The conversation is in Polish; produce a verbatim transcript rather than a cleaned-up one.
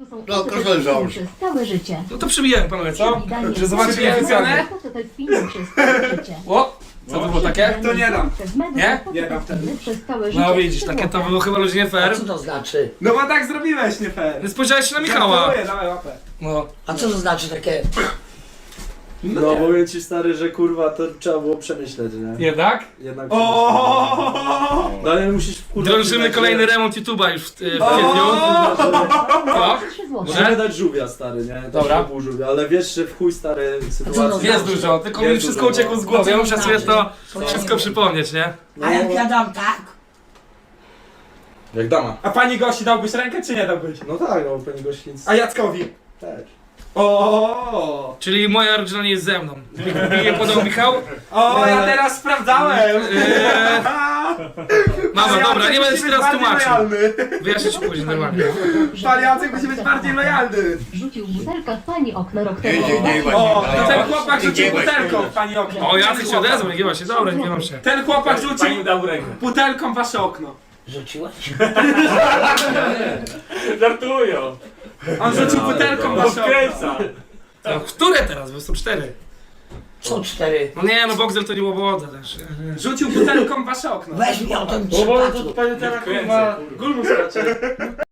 są No, proszę załóż. przez całe życie. No to przybijemy panowie, co? Że zobaczycie Przybijemy oficjalnie. To to jest film przez całe życie. O! Co to było takie? To nie dam. Nie? Nie dam wtedy. Przez całe życie. No widzisz, takie to było chyba ludzie nie fair. A co to znaczy? No bo tak zrobiłeś, nie fair. Więc spojrzałeś się na Michała. Gratuluję, dawaj łapę. No. A co to znaczy takie... No, No nie. powiem ci stary, że kurwa to trzeba było przemyśleć, nie? Jednak? Jednak O! No ale musisz kurwa... Drążymy przyznać, kolejny że- remont YouTube'a już w, w kwietniu. Co? trzy złote. Możemy dać żółwia stary, nie? Też Dobra. pół żółwia, ale wiesz, że w chuj stary sytuacja... Jest dużo, tylko mi Jest wszystko dużo, uciekło no. z głowy, ja muszę sobie to Co wszystko nie przypomnieć, nie? No, A jak ja dam tak? Jak dama. A pani Gosi dałbyś rękę, czy nie dałbyś? No tak, no pani gościńc A Jackowi? też. O! Czyli moja rodzina nie jest ze mną. Mnie podał Michał. O, ja teraz sprawdzałem! Eee, Mama, Ale dobra, Jacek nie będę musi ci być teraz bardziej tłumaczył. lojalny. Wyjaśnię ci później normalnie. Pan Jacek musi być bardziej lojalny. Rzucił butelkę w pani okno rok temu. Nie, nie, nie, O, nie, to ten nie, chłopak nie, rzucił nie, butelką nie. w pani okno. O, Jacek się odezwał, nie gniewa się, dobra, nie gniewam się. Ten chłopak rzucił Pani dał rękę. butelką w wasze okno. Rzuciłeś? Żartują. On rzucił butelką w wasze okno. Wkręca. No, które teraz? Bo są cztery. Co cztery? No nie, no Boxel to nie łoboda też. Rzucił butelką w wasze okno. Weź mi o tym Bo bo przypadku. to pani teraz kurwa gulmu skacze.